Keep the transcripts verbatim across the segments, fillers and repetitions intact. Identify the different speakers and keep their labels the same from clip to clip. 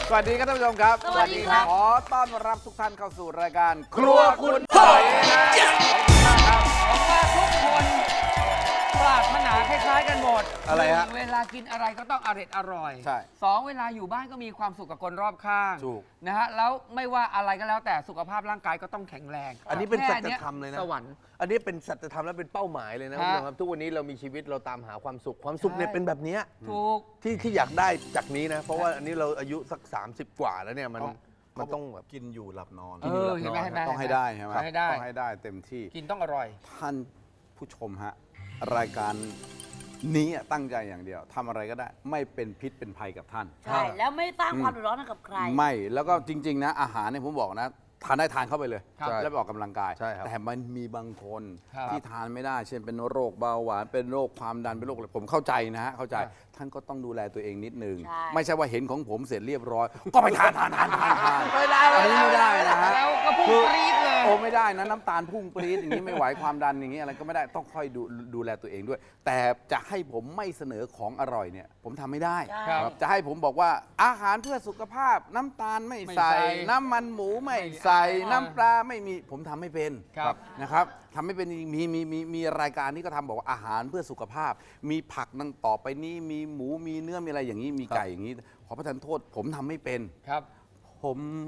Speaker 1: สวัสดีครับท่านผู้ชมครับ
Speaker 2: สวัสดีครับ
Speaker 1: ขอต้อนรับทุกท่านเข้าสู่รายการครัวคุณหอยนะขอบคุณมากครับ
Speaker 3: ผมว่าทุกคนปรารถนาคล้ายๆกันหมด
Speaker 1: อะไรฮะ
Speaker 3: เวลากินอะไรก็ต้องอร่อยอร่อย
Speaker 1: ใช่
Speaker 3: สองเวลาอยู่บ้านก็มีความสุขกับคนรอบข้าง
Speaker 1: ถูก
Speaker 3: นะฮะแล้วไม่ว่าอะไรก็แล้วแต่สุขภาพร่างกายก็ต้องแข็งแรง
Speaker 4: อันนี้เป็น
Speaker 3: แค่
Speaker 4: สัจธรรมเลยนะ
Speaker 3: สวรรค์
Speaker 4: อันนี้เป็นสัจธรรมและเป็นเป้าหมายเลยนะคุณผู้ชมครับทุกวันนี้เรามีชีวิตเราตามหาความสุขความสุขเนี่ย
Speaker 3: ใช่
Speaker 4: เป็นแบบเนี้ย
Speaker 3: ถูก
Speaker 4: ที่ที่อยากได้จากนี้นะ เพราะว่าอันนี้เราอายุสัก สามสิบ กว่าแล้วเนี่ยมัน
Speaker 1: ต้อง
Speaker 4: มันต้องแบบ
Speaker 1: กินอยู่หลับนอน
Speaker 3: เออเห็นไหมเห็นไหม
Speaker 1: ต้องให้ได้ใช่ไหม
Speaker 3: ต้องให้ได้
Speaker 1: ต้องให้ได้เต็มที่
Speaker 3: กินต้องอร่อย
Speaker 1: ท่านผู้ชมฮะรายการนี้ตั้งใจอย่างเดียวทำอะไรก็ได้ ไม่เป็นพิษเป็นภัยกับท่าน
Speaker 2: ใช่ แล้วไม่สร้างความเดือดร้อนให้กับใคร
Speaker 1: ไม่แล้วก็จริง ๆ นะ อาหารเนี่ยผมบอกนะทานได้ทานเข้าไปเลย
Speaker 3: ครับ
Speaker 1: แล้วไปออกกำลังกาย
Speaker 4: ใช่ครับ
Speaker 1: แต่มันมีบางคน
Speaker 3: ครับ
Speaker 1: ที่ทานไม่ได้ เช่นเป็นโรคเบาหวานเป็นโรคความดันเป็นโรคอะไรผมเข้าใจนะฮะเข้าใจ
Speaker 3: ครับ
Speaker 1: ท่านก็ต้องดูแลตัวเองนิดนึง
Speaker 2: ใช่
Speaker 1: ไม่ใช่ว่าเห็นของผมเสร็จเรียบร้อย ก็ไปทานทานทานทานทาน
Speaker 4: ไม่ได้
Speaker 1: อันนี้ไม่ได้นะฮะ
Speaker 3: แล้วก็พุ่งปรี๊ดเลย
Speaker 1: โอ้ไม่ได้นะน้ำตาลพุ่งปรี๊ดอย่างนี้ไม่ไหวความดันอย่างนี้อะไรก็ไม่ได้ต้องค่อยดูดูแลตัวเองด้วย แต่จะให้ผมไม่เสนอของอร่อยเนี่ยผมทำไม่ได้
Speaker 2: ใช่
Speaker 3: ครับ
Speaker 1: จะให้ผมบอกว่าอาหารเพื่อสุขภาพน้ำตาลไม่
Speaker 3: ไม่
Speaker 1: ใส่
Speaker 3: ใส่
Speaker 1: น้ำมันหมูไม่
Speaker 3: ไม่
Speaker 1: ใส่
Speaker 3: อ่า
Speaker 1: น้ำปลาไม่มีผมทำไม่เป็น
Speaker 3: ครับ
Speaker 1: นะครับทำไม่เป็นมีมีมีมีรายการนี้ก็ทำบอกว่าอาหารเพื่อสุขภาพ มีผักนั่งต่อไปนี้มีหมูมีเนื้อมีอะไรอย่างนี้มีไก่อย่างนี้ขอประทานโทษ ผมทำไม่เป็น
Speaker 3: ครับ
Speaker 1: ผม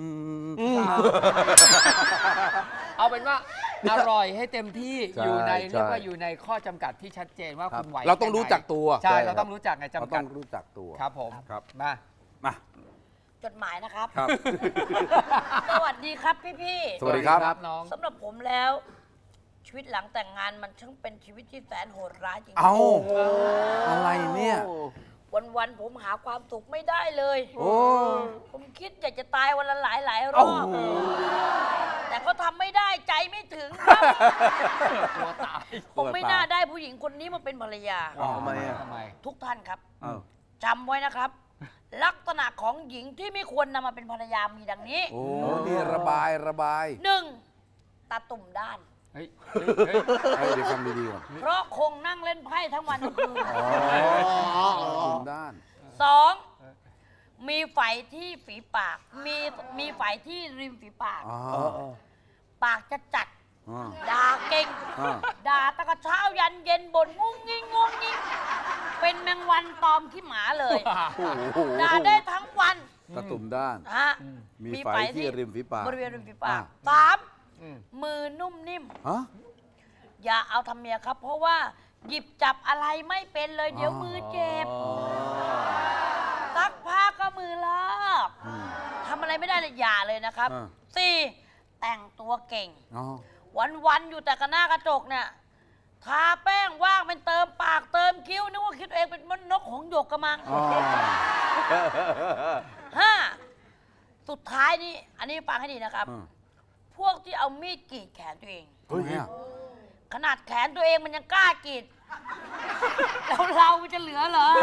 Speaker 3: เอาเป็นว่าอร่อยให้เต็มที่
Speaker 4: ใช่
Speaker 3: อยู่ใน
Speaker 4: ใช่
Speaker 3: เรียกว่าอยู่ในข้อจำกัดที่ชัดเจนว่า
Speaker 4: ครับ
Speaker 3: คุณไหว
Speaker 1: เราต้องรู้
Speaker 3: แค่ไหน
Speaker 1: จักตัว
Speaker 3: ใช่
Speaker 4: ใช่
Speaker 3: เรา
Speaker 4: ครับ
Speaker 3: ต้องรู้จักใน
Speaker 1: เรา
Speaker 3: จำ
Speaker 1: ต้
Speaker 3: กั
Speaker 1: อ
Speaker 3: ด
Speaker 1: งรู้จักตัว
Speaker 3: ครับผม
Speaker 1: ครับ
Speaker 3: มา
Speaker 1: มา
Speaker 2: จดหมายนะครับ
Speaker 1: ครับ
Speaker 2: สวัสดีครับพี่
Speaker 1: สวัสดีครับ
Speaker 3: น้อง
Speaker 2: ๆสำหรับผมแล้ว ชีวิตหลังแต่งงานมันช่างเป็นชีวิตที่แสนโหดร้ายจริงๆ
Speaker 1: เอาอะไรเนี่ย
Speaker 2: วันๆผมหาความสุขไม่ได้เลย
Speaker 1: โอ้
Speaker 2: ผมคิดอยากจะตายวันละหลายหลายๆร
Speaker 1: โอ้
Speaker 2: อบ
Speaker 1: โห
Speaker 2: แต่ก็ทำไม่ได้ใจไม่ถึงครับ
Speaker 3: ตัวตาย
Speaker 2: ผมไม่น่าได้ผู้หญิงคนนี้มาเป็นภรรยา
Speaker 1: อ๋อ
Speaker 4: ทำไมอ่ะ
Speaker 3: ทำไม
Speaker 2: ทุกท่านครับ
Speaker 1: เอ้า
Speaker 2: จำไว้นะครับ ลักษณะของหญิงที่ไม่ควรนำมาเป็นภรรยามีดังนี้
Speaker 1: โอ้นี่ระบายระบาย
Speaker 2: หนึ่งตาตุ่มด้าน
Speaker 3: เฮ้ยเฮ้ยเฮ้ย
Speaker 1: เอ้ยเดี๋ยวฟังดีๆก่อน
Speaker 2: เพราะคงนั่งเล่นไพ่ทั้งวันทั้งคืน
Speaker 1: อ๋อคุมด้าน
Speaker 2: สองมีไฝที่ฝีปาก มีมีไฝที่ริมฝีปาก
Speaker 1: อ๋อ
Speaker 2: ปากจะจัด
Speaker 1: อ๋อ
Speaker 2: ด่าเก่ง
Speaker 1: อ่า
Speaker 2: ด่าตั้งแต่เช้ายันเย็นบ่นงุ้งงิ้งงุ้งงิ้งเป็นแมงวันตอมขี้หมาเลย
Speaker 1: โอ้โห
Speaker 2: ด่าได้ทั้งวัน
Speaker 1: ตะตุ่มด้าน
Speaker 2: ฮะ
Speaker 1: มีไฝที่ริมฝีปาก
Speaker 2: บริเวณริมฝีปาก
Speaker 1: อ่า
Speaker 2: สาม
Speaker 3: อืม
Speaker 2: มือนุ่มนิ่ม
Speaker 1: ฮะ
Speaker 2: อย่าเอาทำเมียครับ เพราะว่าหยิบจับอะไรไม่เป็นเลยเดี๋ยวมือเจ็บซักผ้าก็มือลอก
Speaker 1: อืม
Speaker 2: ทำอะไรไม่ได้เลยอย่าเลยนะครับ
Speaker 1: อ่า
Speaker 2: สี่แต่งตัวเก่ง
Speaker 1: อ๋อ
Speaker 2: วันๆอยู่แต่กับหน้ากระจกเนี่ยทาแป้งว่างเป็นเติมปากเติมคิ้วนึกว่าคิดตัวเองเป็นมนกหงส์หยกกระมัง
Speaker 1: อ๋อ
Speaker 2: ห้าสุดท้ายนี่อันนี้ฟังให้ดีนะครับ
Speaker 1: อืม
Speaker 2: พวกที่เอามีดกรีดแขนตัวเอง
Speaker 1: เฮ้ยเนี่ย
Speaker 2: ขนาดแขนตัวเองมันยังกล้ากรีด แล้วเราจะเหลือเหรอ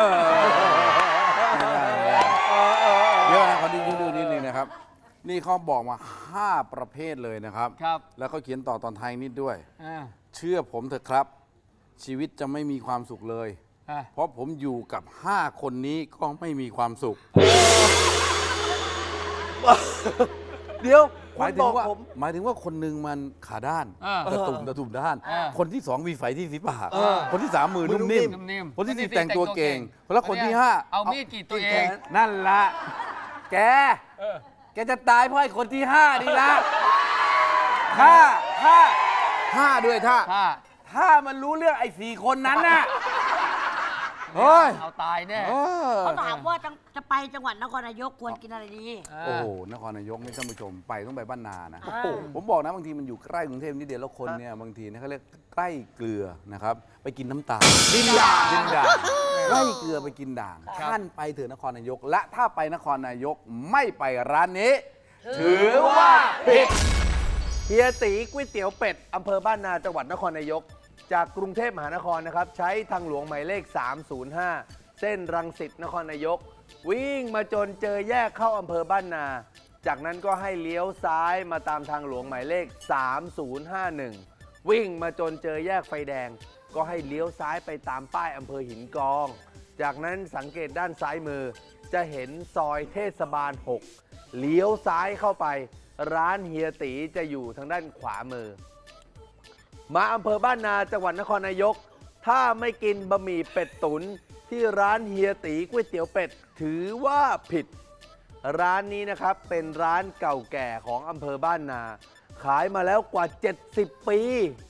Speaker 1: เยอะนะขอดูดูนิดนึงนะครับ นี่เขาบอกมาห้าประเภทเลยนะครับ
Speaker 3: ครับ
Speaker 1: แล้วเขาเขียนต่อตอนท้ายนิดด้วย
Speaker 3: อ่า
Speaker 1: เชื่อผมเถอะครับ ชีวิตจะไม่มีความสุขเลย
Speaker 3: อ่ะ
Speaker 1: เพราะผมอยู่กับห้าคนนี้ก็ไม่มีความสุข
Speaker 4: เดี๋ยว
Speaker 1: หมายถึ
Speaker 4: บ
Speaker 1: ง
Speaker 4: อก
Speaker 1: ว่า
Speaker 4: ผม
Speaker 1: หมายถึงว่าคนหนึ่งมันขาด้าน
Speaker 3: อ่า
Speaker 1: ตะตุ่มตะตุ่มด้าน
Speaker 3: อ่า
Speaker 1: คนที่สองมีไฝที่ฝีปาก
Speaker 3: เออ
Speaker 1: คนที่สามมือนุ่มนิ่ม
Speaker 3: นิ่มๆ
Speaker 1: คนที่สี่
Speaker 3: คนที่สี่
Speaker 1: แต่งตัวเก่ง
Speaker 3: แต่งตัวเก่ง
Speaker 1: แล้วคนที่ห้า
Speaker 3: เอามีดกรีดตัวเอง
Speaker 1: นั่นละแก
Speaker 3: เออ
Speaker 1: แกจะตายเพราะไอ้คนที่ห้านี่ละถ้าถ้าถ้าด้วยถ้า
Speaker 3: ถ้า
Speaker 1: ถ้ามันรู้เรื่องไอ้สี่คนนั้นน่ะเฮ้ย
Speaker 3: เอาตายแน่
Speaker 1: เออ
Speaker 2: เขาถามว่าจะจะไปจังหวัดนครนายกควรกินอะไรดี
Speaker 1: โอ้โหนครนายกนี่ท่านผู้ชมไปต้องไปบ้านนานะ
Speaker 2: อ่า
Speaker 1: ผมบอกนะบางทีมันอยู่ใกล้กรุงเทพนิดเดียวแล้วคนเนี่ยบางทีเนี่ยเขาเรียกใกล้เกลือนะครับ ไปกินน้ำตาลดินด่างดินด่างใกล้เกลือไปกินด่าง
Speaker 3: ครับ
Speaker 1: ท่านไปเถอะนครนายก และถ้าไปนครนายกไม่ไปร้านนี้ ถือว่าผิด
Speaker 4: เฮียตีก๋วยเตี๋ยวเป็ดอำเภอบ้านนาจังหวัดนครนายก จากกรุงเทพมหานครนะครับ ใช้ทางหลวงหมายเลข สามศูนย์ห้า เส้นรังสิตนครนายก วิ่งมาจนเจอแยกเข้าอำเภอบ้านนา จากนั้นก็ให้เลี้ยวซ้ายมาตามทางหลวงหมายเลข สามศูนย์ห้าหนึ่ง วิ่งมาจนเจอแยกไฟแดง ก็ให้เลี้ยวซ้ายไปตามป้ายอำเภอหินกอง จากนั้นสังเกตด้านซ้ายมือจะเห็นซอยเทศบาล หก เลี้ยวซ้ายเข้าไป ร้านเฮียตีจะอยู่ทางด้านขวามือ มาอำเภอบ้านนาจังหวัดนครนายก ถ้าไม่กินบะหมี่เป็ดตุ๋นที่ร้านเฮียตีก๋วยเตี๋ยวเป็ดถือว่าผิด ร้านนี้นะครับเป็นร้านเก่าแก่ของอำเภอบ้านนา ขายมาแล้วกว่า เจ็ดสิบ ปี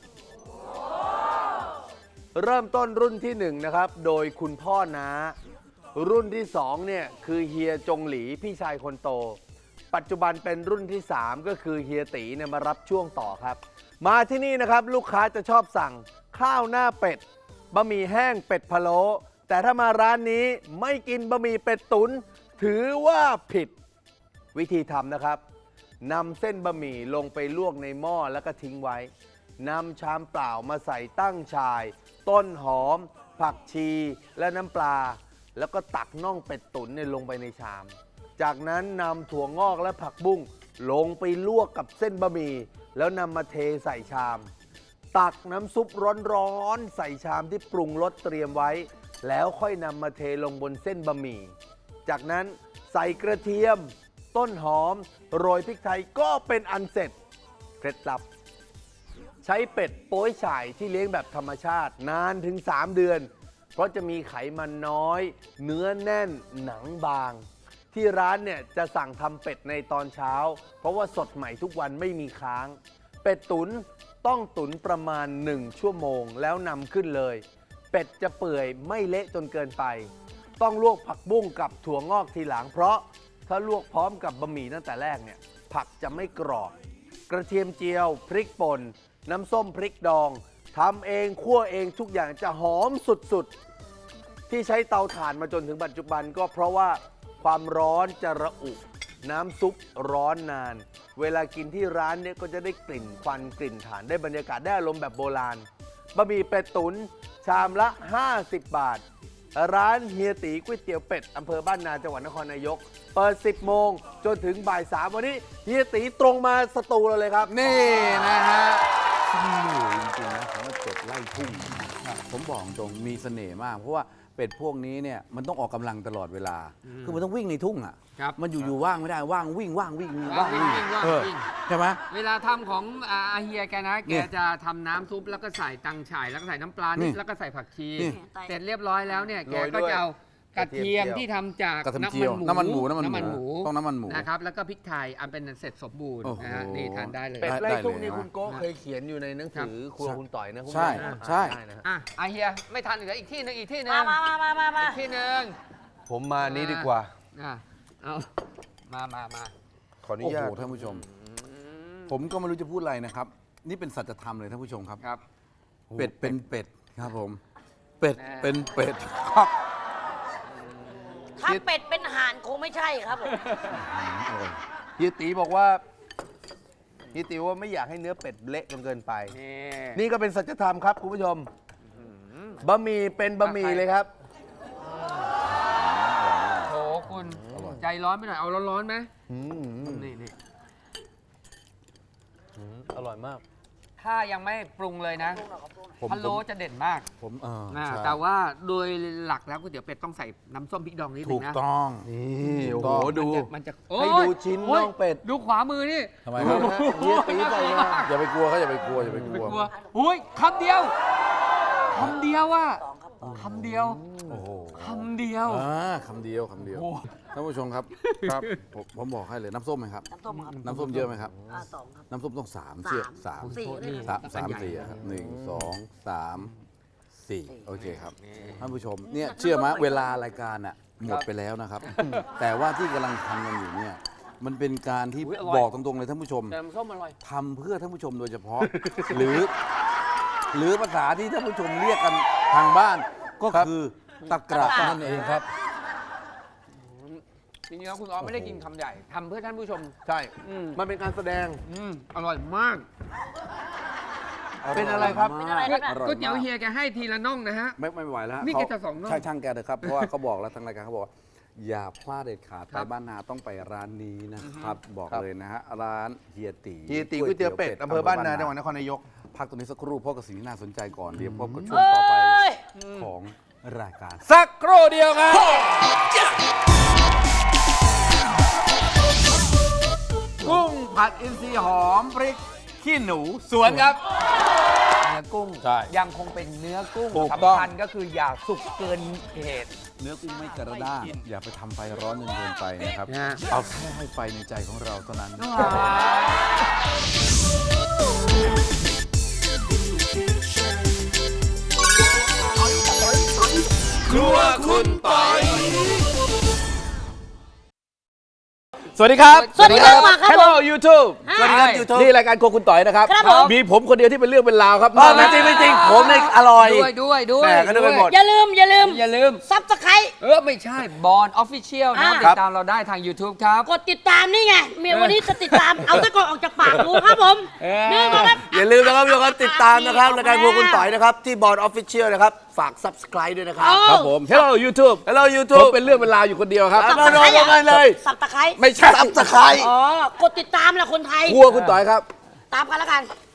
Speaker 4: เริ่มต้นรุ่นที่หนึ่งนะครับโดยคุณพ่อน้า รุ่นที่สองเนี่ยคือเฮียจงหลีพี่ชายคนโต ปัจจุบันเป็นรุ่นที่สามก็คือเฮียตีเนี่ยมารับช่วงต่อครับ มาที่นี่นะครับลูกค้าจะชอบสั่งข้าวหน้าเป็ดบะหมี่แห้งเป็ดพะโล้แต่ถ้ามาร้านนี้ไม่กินบะหมี่เป็ดตุ๋นถือว่าผิด วิธีทำนะครับนำเส้นบะหมี่ลงไปลวกในหม้อแล้วก็ทิ้งไว้นำชามเปล่ามาใส่ตั้งฉ่าย ต้นหอม ผักชีและน้ำปลา แล้วก็ตักน่องเป็ดตุ๋นเนี่ยลงไปในชาม จากนั้นนำถั่วงอกและผักบุ้งลงไปลวกกับเส้นบะหมี่แล้วนำมาเทใส่ชาม ตักน้ำซุปร้อนๆใส่ชามที่ปรุงรสเตรียมไว้ แล้วค่อยนำมาเทลงบนเส้นบะหมี่จากนั้นใส่กระเทียม ต้นหอมโรยพริกไทยก็เป็นอันเสร็จเคล็ดลับ ใช้เป็ดโป้ยฉ่ายที่เลี้ยงแบบธรรมชาตินานถึงสามเดือน เพราะจะมีไขมันน้อย เนื้อแน่นหนังบาง ที่ร้านเนี่ยจะสั่งทำเป็ดในตอนเช้า เพราะว่าสดใหม่ทุกวันไม่มีค้าง เป็ดตุ๋นต้องตุ๋นประมาณหนึ่งชั่วโมงแล้วนำขึ้นเลย เป็ดจะเปื่อยไม่เละจนเกินไป ต้องลวกผักบุ้งกับถั่วงอกทีหลัง เพราะถ้าลวกพร้อมกับบะหมี่ตั้งแต่แรกเนี่ยผักจะไม่กรอบ กระเทียมเจียว พริกป่นน้ำส้มพริกดองทำเองคั่วเองทุกอย่างจะหอมสุดๆที่ใช้เตาถ่านมาจนถึงปัจจุบันก็เพราะว่าความร้อนจะระอุ น้ำซุปร้อนนาน เวลากินที่ร้านเนี่ยก็จะได้กลิ่นควันกลิ่นถ่านได้บรรยากาศได้อารมณ์แบบโบราณบะหมี่เป็ดตุ๋นชามละห้าสิบบาท ร้านเฮียตีก๋วยเตี๋ยวเป็ดอำเภอบ้านนาจังหวัดนครนายกเปิดสิบโมงจนถึงบ่ายสามวันนี้เฮียตีตรงมาสตูเราเลยครับ
Speaker 1: นี่นะฮะสนุกจริงๆนะผมว่าเป็ดไล่ทุ่งผมบอกตรงมีเสน่ห์มาก เพราะว่าเป็ดพวกนี้เนี่ยมันต้องออกกำลังตลอดเวลา คือมันต้องวิ่งในทุ่งอ่ะ
Speaker 3: ครับ
Speaker 1: มันอยู่ๆว่างไม่ได้ว่างวิ่งว่างวิ่งว่าง
Speaker 3: วิ่ง
Speaker 1: วิ่ง
Speaker 3: วิ่งว่าง
Speaker 1: เออ
Speaker 3: วิ่ง
Speaker 1: ใช่ไหม
Speaker 3: เวลาทำของอาอาเฮียแกนะ
Speaker 1: เนี่
Speaker 3: แก
Speaker 1: ย
Speaker 3: จะทำน้ำซุปแล้วก็ใส่ตังฉ่ายแล้วก็ใส่น้ำปลา
Speaker 1: นี่
Speaker 3: นิดแล้วก็ใส่ผักชี
Speaker 1: นี่
Speaker 3: เสร็จเรียบร้อยแล้วเนี่ยแก
Speaker 4: โรยด้
Speaker 3: ก็
Speaker 4: วย
Speaker 3: จะเอากระเทียม
Speaker 4: กระเทียมเจียว
Speaker 3: ที่ทำจาก
Speaker 1: กระเทียม
Speaker 3: น้ำ
Speaker 1: เจียว
Speaker 3: มันหมู
Speaker 1: น้ำมันหมูน้ำมันหมู
Speaker 3: หมู
Speaker 1: ต้องน้ำมันหมู
Speaker 3: นะครับแล้วก็พริกไทยอันเป็นเสร็จสมบูรณ์
Speaker 1: โอ้โห
Speaker 3: นะฮะนี่ทานได้เลย
Speaker 4: เป็ด
Speaker 1: ได้
Speaker 4: ไล่ทุ่ง
Speaker 1: เลย
Speaker 4: นี่
Speaker 1: นะ
Speaker 4: คุณโก้เคยเขียนอยู่ในหนังสือครัวคุณต่อยนะคุณ
Speaker 1: ใช่
Speaker 4: ผู้ม
Speaker 1: ใช่
Speaker 4: อ่านได้นะฮะ
Speaker 3: อ่ะอาเฮียไม่ทานอีกแล้วอีกที่หนึงอีกที่หนึ
Speaker 2: มาง มามามามามา
Speaker 3: อีกที่หนึง
Speaker 4: ผมมานี้ดีกว่า
Speaker 3: อ่ะเอามามามา
Speaker 4: ขออนุ
Speaker 1: โอ้
Speaker 4: ญา
Speaker 1: โห
Speaker 4: ต
Speaker 1: ท่านผู้ชม ผมก็ไม่รู้จะพูดอะไรนะครับ นี่เป็นสัจธรรมเลยท่านผู้ชมครับ
Speaker 3: ครับ
Speaker 1: เป็ดเป็นเป็ดครับผม เป็ด
Speaker 3: แน่
Speaker 1: เป็นเป็ดครับ
Speaker 2: ถ้าเป็ดเป็นห่านคงไม่ใช่ครับผม
Speaker 4: เฮียตีบอกว่าเฮียตีว่าไม่อยากให้เนื้อเป็ดเละจนเกินไป
Speaker 3: นี่
Speaker 4: นี่ก็เป็นสัจธรรมครับคุณผู้ชมบะหมี่เป็นบะหมี่เลยครับ
Speaker 3: โถคุณใจร้อนไปหน่อยเอาร้อนๆไหม
Speaker 4: อืม
Speaker 3: นี่นี่
Speaker 4: อร่อยมาก
Speaker 3: ถ้ายังไม่ปรุงเลยนะ
Speaker 1: ผม
Speaker 3: พะโล้จะเด่นมาก
Speaker 1: ผมเออ
Speaker 3: นะ
Speaker 1: ใช่
Speaker 3: แต่ว่าโดยหลักแล้วก๋วยเตี๋ยวเป็ดต้องใส่น้ำส้มพริกดองนิดนึ
Speaker 1: ถู
Speaker 3: ง
Speaker 1: ก
Speaker 3: นะ
Speaker 1: ต้อง
Speaker 4: นี่โอ้โห
Speaker 1: ถูกต้อง
Speaker 4: ดู
Speaker 3: มันจะ
Speaker 4: ให้
Speaker 3: โอ้ย
Speaker 4: ดูชิ้น
Speaker 3: โอ้ย
Speaker 4: น่องเป็ด
Speaker 3: ดูขวามือนี่
Speaker 1: ทำไมครับ
Speaker 4: เฮียตีใส่มา
Speaker 1: อย่าไปกลัวเขาอย่าไปกลัวอย่าไปก
Speaker 3: ไม่
Speaker 1: ลัว
Speaker 3: กลัวอุ้ยคำเดียวคำเดียวอ่ะคำเดียว
Speaker 1: โอ้โห
Speaker 3: คำเดียว
Speaker 1: อ่าคำเดียวคำเดียว
Speaker 3: โอ้
Speaker 1: ท่านผู้ชมครับครับผมผมบอกให้เลยน้ำส้มไหมครับ
Speaker 2: น้ำส้มครับ
Speaker 1: น้ำส้มเยอะไหมครับ
Speaker 2: อ่าสองครับ
Speaker 1: น้ำส้มต้องสามเชือกสาม
Speaker 2: สี่ก็ได้
Speaker 1: สามสามสี่อะครับหนึ่งสองสามสี่โอเคครับท่านผู้ชมเนี่ยเชื่อไหมเวลารายการอ่ะหมดไปแล้วนะครับ แต่ว่าที่กำลังทำกันอยู่เนี่ยมันเป็นการที่
Speaker 3: อุ๊ยอร่อย
Speaker 1: บอกตรงๆเลยท่านผู้ชม
Speaker 3: แต่น้ำส้มอร่อย
Speaker 1: ทำเพื่อท่านผู้ชมโดยเฉพาะ หรือ หรือภาษาที่ท่านผู้ชมเรียกกันทางบ้านก็คือตะกร้านั่นเองครับ
Speaker 3: จริงๆแล้วคุณออฟไม่ได้กินคำใหญ่ทำเพื่อท่านผู้ชม
Speaker 4: ใช่
Speaker 3: อืม
Speaker 4: มันเป็นการแสดง
Speaker 3: อืมอร่อยมาก
Speaker 4: เป็นอะไรครับ
Speaker 2: เป็นอะไรครับเนี่ย
Speaker 1: อร่อย
Speaker 3: ก๋วยเตี๋ยว
Speaker 1: มาก
Speaker 3: เฮียแกให้ทีละน่องนะฮะ
Speaker 1: ไม่ไม่ไหวแล้ว
Speaker 3: นี่
Speaker 1: เขา
Speaker 3: แกจะสองน่อง
Speaker 1: ใช่ช่างแกเถอะครับ เพราะว่าเขาบอกแล้วทางรายการเขาบอกว่าอย่าพลาดเด็ดขาด
Speaker 3: ครั
Speaker 1: ไป
Speaker 3: บ
Speaker 1: บ้านนาต้องไปร้านนี้นะครับ บอก
Speaker 4: ครับ
Speaker 1: เลยนะฮะร้านเฮียตี
Speaker 4: เฮียตีก๋วยเตี๋ยวเป็ดอำเภอบ้านนาจังหวัดนครนายก
Speaker 1: พักตรงนี้สักครู่เพราะกับสิ่งที่น่าสนใจก่อนเดี๋ยวพบกับช่ว
Speaker 2: เอ้
Speaker 1: งต่อไป
Speaker 2: ย
Speaker 1: ของรายการสักครู่เดียวครับผัดอินทรีย์หอมพริกขี้หนูสวนครับ
Speaker 3: เนื้อกุ้ง
Speaker 1: ใช่
Speaker 3: ยังคงเป็นเนื้อกุ้ง
Speaker 1: ถูกต้อง
Speaker 3: สำคัญก็คืออย่าสุกเกินเหตุ
Speaker 1: เนื้อกุ้งไม่กระด้างอย่าไปทำไฟร้อนจนเกินไปนะครับ
Speaker 3: นะ
Speaker 1: เอาแค่ให้ไฟในใจของเราเท่านั้น ครัวคุณปอย สวัสดีครับ
Speaker 2: สวัสดีครับมาครับผม
Speaker 1: Hello YouTube
Speaker 4: สวัสดีครับ YouTube
Speaker 1: นี่รายการโครัวคุณต่อยนะครับ
Speaker 2: ครับผม
Speaker 1: มีผมคนเดียวที่เป็นเรื่องเป็นราวครับ
Speaker 4: อ๋อไม่จริงไม่จริงผมเนี่ยอร่อย
Speaker 3: ด้วยด้วยด้วย
Speaker 4: แหม่ก็นึกไปหมด
Speaker 2: อย่าลืมอย่าลืม
Speaker 3: อย่าลืม
Speaker 2: ซับสไคร
Speaker 3: เออ ไม่ใช่บอลออฟฟิเชียลนะครับ
Speaker 2: อ่า
Speaker 3: ติดตามเราได้ทาง YouTube ครับ
Speaker 2: กดติดตามนี่ไงเมียวันนี้จะติดตาม เอาตะกอนออกจากปากดูครับผม
Speaker 3: เออ
Speaker 2: นี่นะครับ
Speaker 4: อย่าลืมนะครับทุกคนติดตามนะครับรายการพวกคุณต่อยนะครับ ที่บอร์ดออฟฟิเชียลนะครับ ฝาก Subscribe ด้วยนะครับ
Speaker 1: ครับผม Hello YouTube
Speaker 4: Hello
Speaker 1: ผม
Speaker 4: YouTube
Speaker 1: เป็นเรื่องเป็นราวอยู่คนเดียวครับ
Speaker 4: อ่ะ มาโดนกันเลย
Speaker 2: สับตะไคร้
Speaker 1: ไม่ใช่
Speaker 4: Subscribe
Speaker 2: อ๋อกดติดตามแหละคนไทย
Speaker 1: ครัวคุณต่อยครับ
Speaker 2: ตามกันแล้วกัน